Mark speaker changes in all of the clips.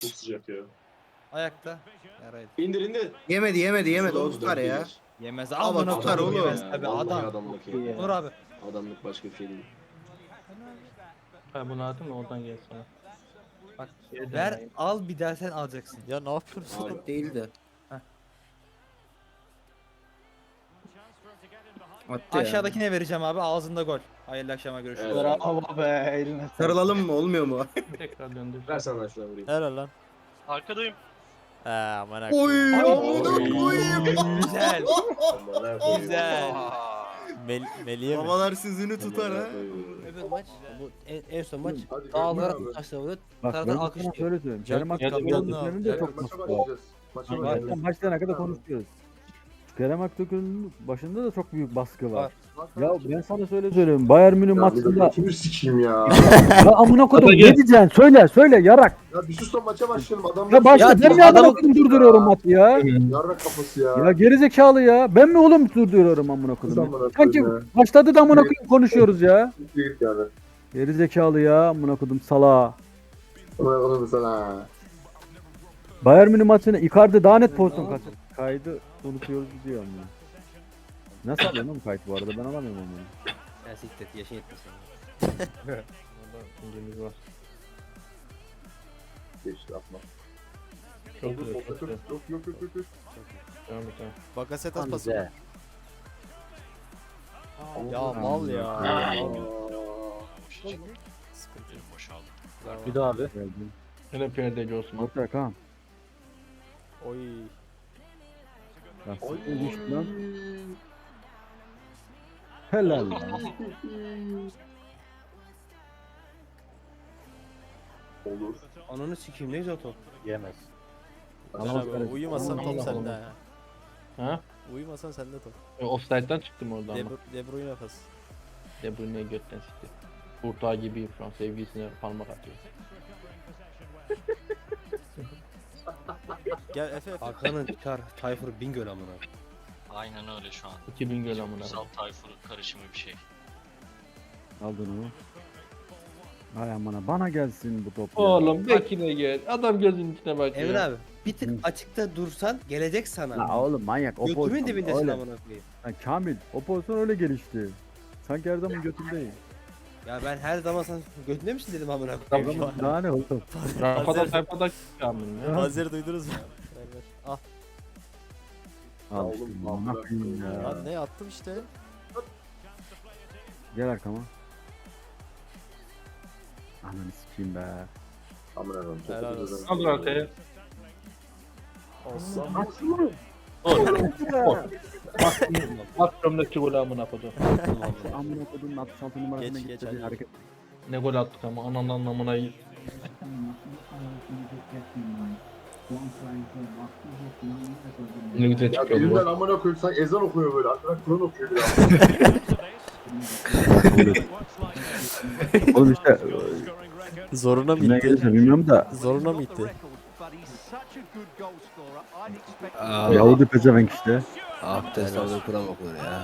Speaker 1: Çok sıcak ya.
Speaker 2: Ayakta. Yaraydı.
Speaker 1: İndir indir.
Speaker 3: Yemedi.
Speaker 1: Oğlum,
Speaker 3: O tutar ya.
Speaker 1: dört
Speaker 2: Yemez.
Speaker 3: Ama
Speaker 2: Amına
Speaker 3: tutar
Speaker 2: koyayım,
Speaker 3: oğlum.
Speaker 2: yemez tabii
Speaker 1: Vallahi
Speaker 2: adam.
Speaker 1: adamlık
Speaker 4: iyi
Speaker 1: ya.
Speaker 2: Dur abi.
Speaker 1: Adamlık başka bir şey değil.
Speaker 4: Ha bunu atayım da oradan gelsin.
Speaker 2: Bak
Speaker 4: Geri
Speaker 2: ver
Speaker 4: döneyim.
Speaker 2: al bir daha sen alacaksın.
Speaker 5: Ya ne yapıyorsun?
Speaker 1: Abi,
Speaker 3: Değildi.
Speaker 2: Heh.
Speaker 3: Attı ya.
Speaker 2: Aşağıdakine vereceğim abi ağzında gol. Hayırlı akşama görüşürüz.
Speaker 1: Evet.
Speaker 4: Bravo be eline sağlık.
Speaker 3: Sarılalım mı? Olmuyor mu?
Speaker 4: Tekrar döndür.
Speaker 1: ver sen şuna vurayım.
Speaker 5: Helal lan.
Speaker 6: Arkadayım.
Speaker 5: Aman
Speaker 3: Oy!
Speaker 1: Oy.
Speaker 2: Güzel.
Speaker 1: Amına koyayım.
Speaker 2: Güzel.
Speaker 5: Melih'e mi?
Speaker 3: Havalar sizini tutar ha.
Speaker 1: Amına koyayım.
Speaker 7: Öbür maç, bu en son maç
Speaker 8: Hadi
Speaker 7: dağlara
Speaker 8: görüşürüz abi.
Speaker 7: taşla vuruyor.
Speaker 9: Bak
Speaker 7: Taraftar
Speaker 9: ben sana
Speaker 7: alkışlıyor.
Speaker 9: şöyle söyleyeyim.
Speaker 5: Jack
Speaker 9: Kerem
Speaker 5: Jack
Speaker 9: Aktürk'ün
Speaker 5: Jack
Speaker 9: de çok
Speaker 8: Maça
Speaker 9: mutlu var.
Speaker 8: başlayacağız. Maça
Speaker 9: Bak,
Speaker 8: başlayacağız.
Speaker 9: zaten başlayana kadar konuşuyoruz. Kerem Aktürk'ün başında da çok büyük baskı var. Ya ben sana söylüyorum. Bayern Münih
Speaker 8: Ya bir
Speaker 9: maçında
Speaker 8: dakika, kimi sikeyim ya?
Speaker 9: ya amına kodum ne diyeceksin? Söyle yarak.
Speaker 8: Ya bir sus da maça başlayalım. Adam
Speaker 9: Ya başla ben mi amına
Speaker 7: adamı-
Speaker 9: kodum durduruyorum maçı ya?
Speaker 8: Yarrak kafası ya.
Speaker 9: Ya gerizekalı ya. Ben mi oğlum durduruyorum amına
Speaker 8: Kız
Speaker 9: kodum?
Speaker 8: amına
Speaker 9: Sanki
Speaker 8: koyayım
Speaker 9: başladı da amına kodum konuşuyoruz ya.
Speaker 8: ya. Git yani.
Speaker 9: Gerizekalı ya amına kodum sala.
Speaker 8: Amına koyayım sana.
Speaker 9: Bayern Münih maçını Icardi daha net pozisyon kaçırdı. Kaydı unutuyoruz diyor ama. Nasıl alıyorsun oğlum kayıt bu arada ben alamıyorum onu.
Speaker 7: Ya siktir et, yaşın yetmesin.
Speaker 4: Orada incemiz var.
Speaker 8: Geçti atma.
Speaker 4: Çok
Speaker 8: Yok
Speaker 4: güzel.
Speaker 8: yok
Speaker 4: Çok güzel.
Speaker 8: yok.
Speaker 4: Devam et devam.
Speaker 5: Bakaset
Speaker 7: Tam
Speaker 5: atmasın.
Speaker 7: güzel.
Speaker 5: Ya mal ya.
Speaker 8: Aa.
Speaker 5: Sıkıntı yok.
Speaker 6: Boşaldı.
Speaker 9: Bir daha abi. Geldim.
Speaker 4: Yine perdeci Osman.
Speaker 9: Ortaya kan.
Speaker 5: Oy.
Speaker 9: Ya sıkı düştü lan. Helal lan.
Speaker 8: Olur.
Speaker 7: Ananı sikeyim ne güzel top.
Speaker 4: Yemez.
Speaker 5: Helal abi. Uyumasan top
Speaker 4: Allah
Speaker 5: sende
Speaker 4: Allah.
Speaker 5: ha.
Speaker 4: Ha?
Speaker 5: Uyumasan sende top.
Speaker 4: Offside'den çıktım orada ama.
Speaker 5: De Bruyne pas.
Speaker 4: De Bruyne götten sikti. Kurtağı gibiyim şu an sevgilisine parmak atıyor.
Speaker 5: Gel Efe.
Speaker 7: Hakan'ın Çar, Tayfur, Bingöl amına.
Speaker 6: Aynen öyle şu an.
Speaker 4: 2000 göl amına.
Speaker 6: Sal Tayfur karışımı bir şey.
Speaker 9: Aldın onu. Ay amına bana gelsin bu top ya.
Speaker 4: Oğlum bekine gel. Adam gözünün içine bak
Speaker 7: Emre
Speaker 4: ya.
Speaker 7: abi bir tık açıkta dursan gelecek sana.
Speaker 9: La oğlum manyak o
Speaker 7: Götümün
Speaker 9: pozisyon
Speaker 7: dibindesin
Speaker 9: öyle.
Speaker 7: amına koyayım.
Speaker 9: Lan Kamil o pozisyon öyle gelişti. Sanki her zaman götündeyim.
Speaker 7: Ya ben her zaman sana götünde misin dedim amına koyayım.
Speaker 9: Tamam daha ne oğlum.
Speaker 4: Rafadan sayfada çıkamın ya.
Speaker 5: Hazır duydunuz mu? Ver ver. Al.
Speaker 9: Al
Speaker 8: oğlum,
Speaker 9: işte
Speaker 8: Allah
Speaker 9: ne yapayım ya.
Speaker 5: Lan ne attım işte.
Speaker 9: Gel arkama. Ananı sikeyim be.
Speaker 8: Amına koyayım. çok
Speaker 5: Helal
Speaker 8: güzel.
Speaker 5: olsun.
Speaker 4: Kaldır arkaya.
Speaker 5: Olsun.
Speaker 4: Bak gömlekçi golü amına koydu.
Speaker 9: Amına kodum 66 numarasına
Speaker 5: Geç,
Speaker 9: gitti
Speaker 5: geç,
Speaker 9: bir
Speaker 5: hadi.
Speaker 9: hareket.
Speaker 4: Ne gol attık ama ananın anlamına iyi. Ne güzel
Speaker 8: Ya
Speaker 4: çıkıyor
Speaker 8: birinden
Speaker 4: bu.
Speaker 8: amına koyayım sen ezan okuyor böyle. Arkadan Kur'an okuyor bir
Speaker 9: Oğlum işte
Speaker 5: Zoruna mı
Speaker 9: ne
Speaker 5: gitti?
Speaker 9: gelirse bilmiyorum da
Speaker 5: Zoruna mı gitti?
Speaker 9: Yahudi pezevenk işte.
Speaker 7: Abdest aldı Kur'an okur ya.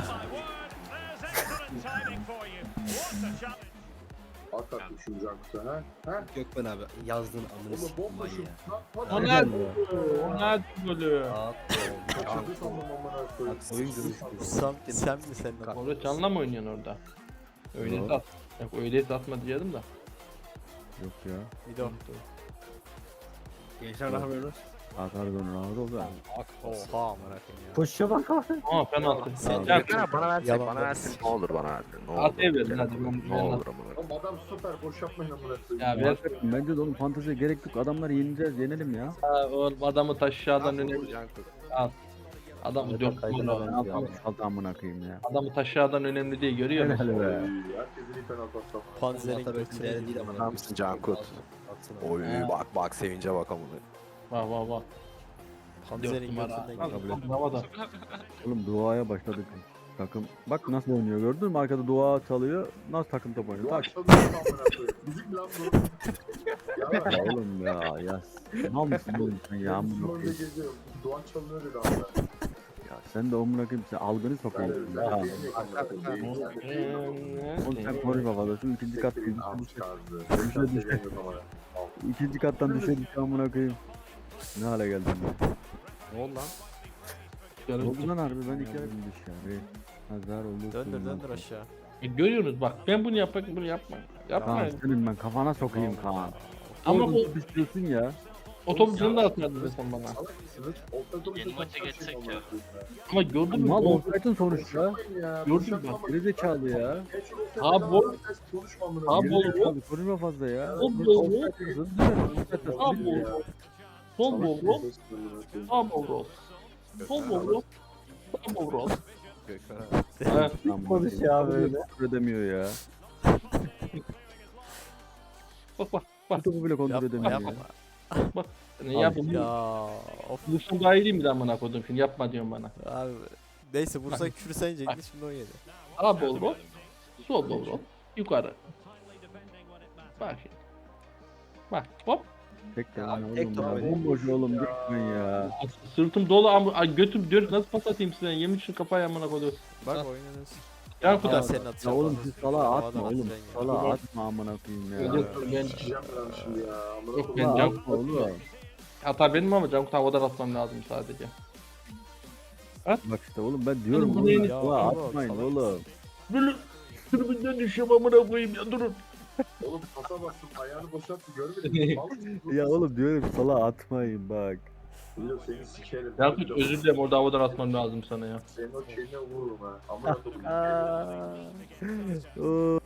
Speaker 8: Hakikat üçüncü Cankut'a ha? Ha?
Speaker 7: Gökmen abi yazdığın amını
Speaker 8: Oğlum
Speaker 7: sikeyim
Speaker 8: bomba şu.
Speaker 7: ya.
Speaker 4: O ne? O ne golü?
Speaker 8: Kaçırdı sandım amına koyayım.
Speaker 7: Oyun görüşü.
Speaker 5: Sen mi sen?
Speaker 4: Orada canla mı oynuyorsun orada? Öyleyse at. Yok öyleyse atma diyordum da.
Speaker 9: Yok ya.
Speaker 5: Bir de o.
Speaker 7: Gençler ne yapıyorsunuz?
Speaker 9: Atar dönür ağır oldu.
Speaker 5: Oha amına koyayım ya.
Speaker 9: Koşuşa bak abi.
Speaker 4: Aa penaltı.
Speaker 5: Sen-
Speaker 4: Ya,
Speaker 10: Bana versek,
Speaker 5: Yalan
Speaker 10: bana versin. Ne olur bana versin. Ne olur.
Speaker 4: At verin hadi.
Speaker 10: Ne olur amına.
Speaker 8: Oğlum adam süper boş yapmayın amına koyayım.
Speaker 4: Ya ver.
Speaker 9: Bence de oğlum fanteziye gerek yok. Adamları yeneceğiz, yenelim ya.
Speaker 4: Ha, oğlum adamı taşıyadan
Speaker 10: Nasıl
Speaker 4: önemli.
Speaker 10: olur Cankut?
Speaker 4: Adamı dört gol
Speaker 9: Ne
Speaker 4: aldı.
Speaker 9: yapalım? Saldı amına koyayım ya.
Speaker 4: Adamı taşıyadan önemli değil görüyor musun?
Speaker 9: Helal be.
Speaker 8: Herkesin iyi penaltı atsam.
Speaker 5: Panzer'in
Speaker 7: Atar
Speaker 5: götüne
Speaker 7: değerli
Speaker 5: girdi.
Speaker 7: değil amına
Speaker 10: Ne
Speaker 7: koyayım.
Speaker 10: yapsın Cankut?
Speaker 7: Atsana.
Speaker 10: Oy bak sevince bak amına.
Speaker 4: Vah vah vah.
Speaker 5: Panzer'in
Speaker 4: 4 numara.
Speaker 5: götünden girdi.
Speaker 4: Al, havada.
Speaker 9: Oğlum duaya başladık. Takım bak nasıl oynuyor gördün mü? Arkada dua çalıyor. Nasıl takım top oynuyor?
Speaker 8: Duvar
Speaker 9: Tak.
Speaker 8: çalıyor amına koyayım. Müzik mi lan bu? Ya
Speaker 9: Ya oğlum ya. Mal mısın oğlum sen ya? Amına
Speaker 8: Müslüman'da
Speaker 9: koyayım.
Speaker 8: geziyor. Duvar çalıyor dedi amına.
Speaker 9: Ya sen de amına koyayım sen algını sokayım.
Speaker 8: Ben
Speaker 9: Ya.
Speaker 8: de değil amına koyayım.
Speaker 9: Oğlum sen konuş babada şu ikinci kat
Speaker 8: Siktirin
Speaker 9: ikinci
Speaker 8: am
Speaker 9: kat.
Speaker 8: çıkardı. Konuşan seviyen yok amına. Al.
Speaker 9: İkinci kattan düşerdik amına koyayım. Ne hale geldim ya.
Speaker 5: Ne oldu lan?
Speaker 9: Ne oldu lan harbi ben iki ay dışarı. Hazar oldu.
Speaker 5: Döndür aşağı.
Speaker 4: Görüyorsunuz bak ben bunu yapmak bunu yapma.
Speaker 9: Kaan
Speaker 4: Yapmayın.
Speaker 9: senin ben kafana sokayım Kaan.
Speaker 4: Ama
Speaker 9: Ama
Speaker 4: bu
Speaker 9: bu istiyorsun ya.
Speaker 4: otobüsünü de atmadın sen bana.
Speaker 8: Salak mısınız? Ortada
Speaker 6: Yeni maça geçsek ya.
Speaker 4: Ama gördün mü?
Speaker 9: Mal
Speaker 4: O-
Speaker 9: olsaydın sonuçta.
Speaker 4: Gördün mü bak.
Speaker 9: Geri zekalı ya.
Speaker 4: Ha, bu- Ha,
Speaker 9: Geri
Speaker 4: bu-
Speaker 9: zekalı konuşma fazla ya.
Speaker 4: O bu-
Speaker 9: Olsaydın,
Speaker 4: Ha bu. Sol bol. Sağ bol. Sol bol. Sağ bol. Ha,
Speaker 9: Konuş ya böyle. Edemiyor ya.
Speaker 4: bak bak bak.
Speaker 9: Topu bile kontrol
Speaker 5: Yapma
Speaker 9: edemiyor
Speaker 5: yapma.
Speaker 9: ya.
Speaker 4: Ne yapayım?
Speaker 5: Ya of
Speaker 4: Bulsun daha iyi değil mi lan bana kodum şimdi yapma diyorsun bana.
Speaker 5: abi. Neyse vursan küfür sen yiyecektin şimdi o yedi.
Speaker 4: Sağ bol bol. Sol bol bol. Yukarı. Bak şimdi. Bak hop.
Speaker 9: Tek de
Speaker 7: Ya,
Speaker 9: lan
Speaker 7: tek
Speaker 9: oğlum
Speaker 7: top
Speaker 9: ya.
Speaker 7: öyle.
Speaker 9: Bomboş oğlum gitmen ya.
Speaker 4: Sırtım dolu ama ay, götüm diyor nasıl pas atayım size yemin şu kafayı amına kodum.
Speaker 5: Bak oynanıyorsun.
Speaker 4: Ya
Speaker 5: Bu da
Speaker 4: kadar.
Speaker 5: senin
Speaker 9: Ya
Speaker 5: atacağın.
Speaker 9: oğlum
Speaker 5: pas.
Speaker 9: siz salağa
Speaker 5: Havadan
Speaker 9: atma oğlum.
Speaker 5: atacaksın ya.
Speaker 9: Salağa atma amına koyayım ya.
Speaker 4: Ben
Speaker 8: Çıkacağım ben şimdi ya. Amına
Speaker 4: Yok,
Speaker 8: koyayım.
Speaker 4: ben
Speaker 9: Salağa
Speaker 4: can
Speaker 9: atma oğlum.
Speaker 4: hata benim ama can havadan atmam lazım sadece.
Speaker 9: Bak işte oğlum ben diyorum
Speaker 4: Oğlum,
Speaker 9: oğlum.
Speaker 5: ya,
Speaker 9: Salağa
Speaker 5: oğlum,
Speaker 9: atmayın
Speaker 5: salak
Speaker 9: oğlum.
Speaker 4: Böyle tribünden düşüyorum amına koyayım ya durun.
Speaker 8: Oğlum pasa bastım ayağını boşalttı görmedin mi? Mal mısın?
Speaker 9: Ya oğlum diyorum salağa atmayın bak.
Speaker 8: Biliyorum seni sikerim.
Speaker 4: Yakut özür dilerim orada havadan atmam lazım sana ya.
Speaker 8: Senin o şeyine vururum ha. Amına koyayım.
Speaker 9: Oo.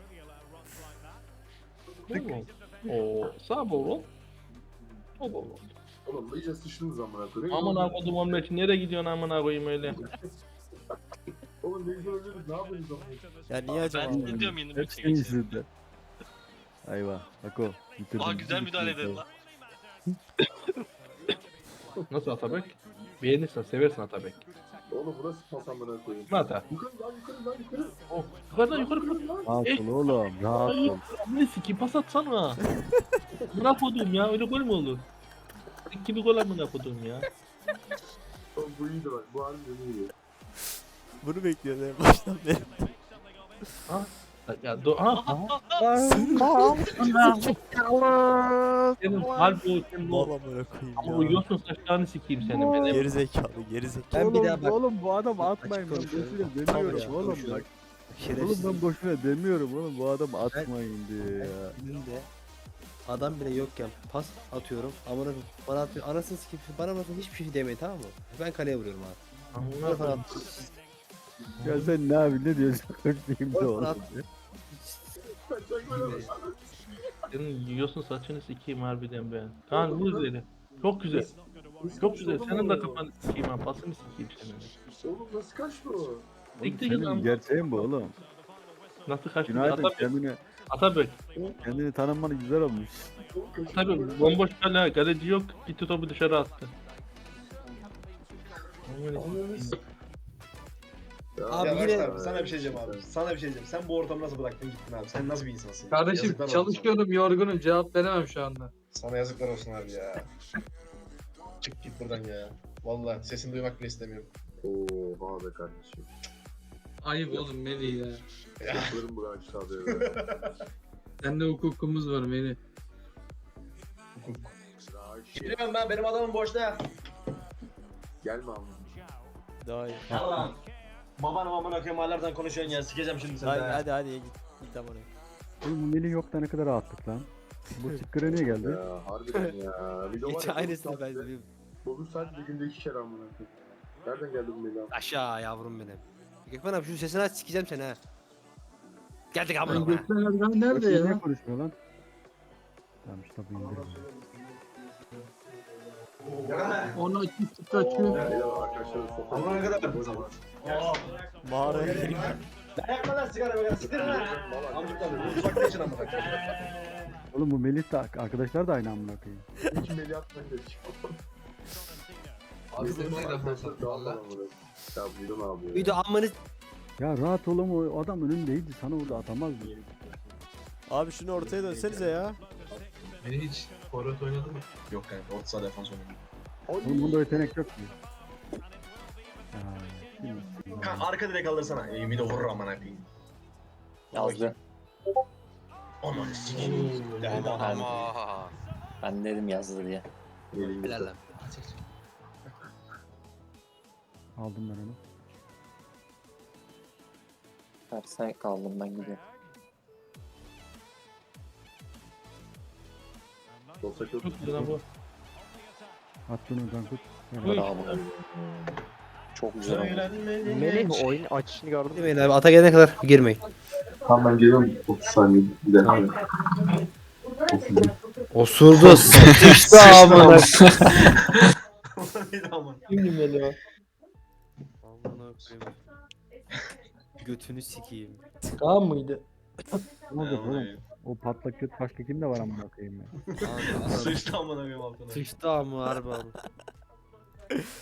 Speaker 4: Oo sağ bol. Sol bol.
Speaker 8: Oğlum iyice sıçtınız amına koyayım.
Speaker 4: Amına kodum onun için nereye gidiyorsun amına koyayım öyle.
Speaker 8: Oğlum ne güzel ölüyoruz ne yapıyorsunuz amına?
Speaker 5: Ya niye acaba?
Speaker 6: Ben ne diyorum yeni maça
Speaker 9: Hepsinin
Speaker 6: geçelim.
Speaker 9: yüzünden. Ayva. Bak o. Bitirdim.
Speaker 6: Aa güzel müdahale edin lan.
Speaker 4: Nasıl Atabek? Beğenirsen seversin Atabek.
Speaker 8: Oğlum burası pas amına koyayım.
Speaker 4: Kim ata?
Speaker 8: Yukarı lan yukarı lan yukarı.
Speaker 4: Oh, yukarıdan yukarı.
Speaker 9: Rahat ol oğlum. Rahat ol.
Speaker 4: Ne siki pas atsana. Amına kodum ya öyle gol mü olur? Kimi gol amına kodum ya.
Speaker 8: Oğlum bu iyiydi bak bu harbiden iyiydi.
Speaker 5: Bunu bekliyoruz en baştan beri.
Speaker 4: Ya ha. Senin harbi o senin
Speaker 5: Mal
Speaker 4: o.
Speaker 5: amına koyayım
Speaker 4: Ama o
Speaker 5: ya.
Speaker 4: yosun saçlarını sikeyim senin benim.
Speaker 5: Geri zekalı geri zekalı.
Speaker 7: Ben bir
Speaker 9: Oğlum,
Speaker 7: daha bak.
Speaker 9: oğlum bu adam atmayın ben
Speaker 7: konuşuyorum.
Speaker 9: boşuna
Speaker 7: Tamam,
Speaker 9: demiyorum
Speaker 7: açık
Speaker 9: oğlum
Speaker 7: konuşuyorum.
Speaker 9: bak.
Speaker 7: Şerefsiz.
Speaker 9: Oğlum ben boşuna demiyorum oğlum bu adam atmayın diye ya.
Speaker 7: Önümde adam bile yokken pas atıyorum. Amına koyayım, bana atıyor. Anasını sikeyim. Bana bakın hiçbir şey demeyin tamam mı? Ben kaleye vuruyorum abi.
Speaker 4: Amına
Speaker 7: Bana
Speaker 4: kodum.
Speaker 7: at.
Speaker 9: Ya sen ne abi ne diyorsun? Koşmayayım da
Speaker 7: Bana
Speaker 9: oğlum.
Speaker 7: at.
Speaker 4: Senin yosun saçını sikeyim harbiden ben. Kaan vur üzeri. Çok güzel. Çok güzel. Senin de kafanı sikeyim ha. Pasını sikeyim senin.
Speaker 8: Oğlum nasıl kaçtı o?
Speaker 4: Bekle
Speaker 9: Senin
Speaker 4: lan.
Speaker 9: gerçeğin bu oğlum.
Speaker 4: Nasıl kaçtı?
Speaker 9: Günaydın
Speaker 4: Atabek. Atabek.
Speaker 9: kendini tanımanı güzel olmuş.
Speaker 8: Oğlum kaçtı.
Speaker 4: Atabek. Bomboş kale. Kaleci yok. Gitti topu dışarı attı.
Speaker 7: Abi
Speaker 8: Ya
Speaker 7: yine
Speaker 8: bak
Speaker 3: Sana bir şey diyeceğim abi. Sana bir şey diyeceğim. Sen bu ortamı nasıl bıraktın gittin abi? Sen nasıl bir insansın?
Speaker 11: Kardeşim
Speaker 3: Yazıklar olsun
Speaker 11: çalışıyorum, yorgunum, cevap veremem şu anda.
Speaker 3: sana. Sana yazıklar olsun abi ya. Çık git buradan ya. Vallahi sesini duymak bile istemiyorum.
Speaker 8: Oha be kardeşim.
Speaker 11: Ayıp oğlum Melih ya.
Speaker 8: Yaplarım bu aşağıda ya.
Speaker 11: Sende hukukumuz var Melih.
Speaker 3: Biliyorum ben benim adamım boşta.
Speaker 8: Gelme abi.
Speaker 5: Daha iyi.
Speaker 3: Allah'ım. Babanım amına koyayım hala konuşuyorsun ya. Sikeceğim şimdi seni.
Speaker 5: Hadi git. Git amına.
Speaker 9: Oğlum Melih yok da ne kadar rahatlık lan. Bu çıkkıra niye geldi?
Speaker 8: Ya harbiden ya. Bir de var
Speaker 7: Geç
Speaker 8: ya,
Speaker 7: aynısını
Speaker 8: çok
Speaker 7: ben
Speaker 8: tatlı.
Speaker 7: de
Speaker 8: Bugün sadece günde 2 kere amına koyayım. Nereden geldi bu Mela?
Speaker 7: aşağı yavrum benim. Gökmen abi şu sesini aç sikeceğim seni ha. Geldik amına
Speaker 11: Ben
Speaker 7: koyayım.
Speaker 11: Gökmen Erdoğan nerede
Speaker 9: Bakayım
Speaker 11: ya?
Speaker 9: niye konuşmuyor lan? Tamam işte bu indirim.
Speaker 11: Onu açıp tıklaçıyor.
Speaker 8: Mela arkadaşlar sokağa.
Speaker 3: Amına kadar bu zaman.
Speaker 5: Mağaraya gireyim.
Speaker 3: Yakma lan sigara be. Siktir lan. Amcuklar uzakta için amına koyayım.
Speaker 9: Oğlum bu Melih de arkadaşlar da aynı amına koyayım.
Speaker 8: Hiç Mela atmayın da çıkıyor.
Speaker 3: Abi sen ne
Speaker 8: Arkadaşlar dağılma amına. Ya buyurun abi.
Speaker 7: Bir de amını
Speaker 9: Ya rahat ol ama o adam önündeydi sana orada atamazdı.
Speaker 5: Abi şunu ortaya dönsenize ya.
Speaker 3: Beni hiç forvet oynadı mı? Yok kanka orta saha defans oynadı.
Speaker 9: Oğlum bunda yetenek yok ki.
Speaker 3: Kanka arka direk alırsana. Bir de vurur amına koyayım.
Speaker 10: Yazdı.
Speaker 3: Aman sikeyim. Yani
Speaker 6: Ama
Speaker 7: Ben dedim yazdı diye. Helal lan.
Speaker 9: Aldım ben onu.
Speaker 7: Terse kaldım ben gidiyorum.
Speaker 1: Olsa çok
Speaker 4: Çok güzel bu.
Speaker 9: Attın onu Cankut.
Speaker 4: Uy.
Speaker 7: Bravo. Çok güzel oldu.
Speaker 10: Melih oyun açışını gördün mü?
Speaker 7: Girmeyin abi. Ata gelene kadar girmeyin.
Speaker 8: Tamam ben geliyorum 30 saniye. Bir de.
Speaker 7: Osurdu. Sıçtı amına.
Speaker 11: Şimdi Melih o.
Speaker 7: Amına koyayım. Götünü sikeyim.
Speaker 11: Kaan mıydı?
Speaker 9: Ne oldu oğlum? O patlak göt başka kimde var amına koyayım ya.
Speaker 7: Sıçtı amına koyayım altına. Sıçtı amına harbi abi.